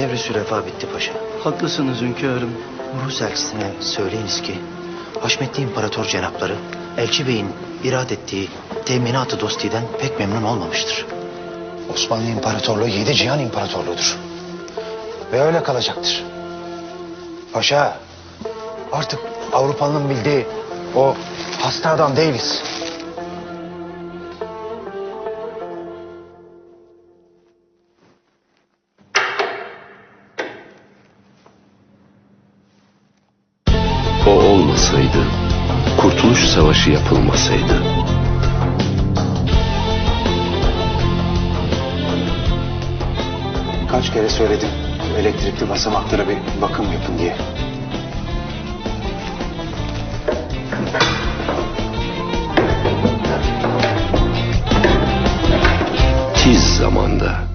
Devri sürefa bitti paşa. Haklısınız hünkârım. Rus elçisine söyleyiniz ki Haşmetli İmparator Cenapları Elçi Bey'in irad ettiği teminat-ı dostiden pek memnun olmamıştır. Osmanlı İmparatorluğu 7 cihan imparatorluğudur. Ve öyle kalacaktır. Paşa, artık Avrupalı'nın bildiği o hasta adam değiliz. O olmasaydı, Kurtuluş Savaşı yapılmasaydı. Kaç kere söyledim elektrikli basamaklara bir bakım yapın diye. Tiz zamanda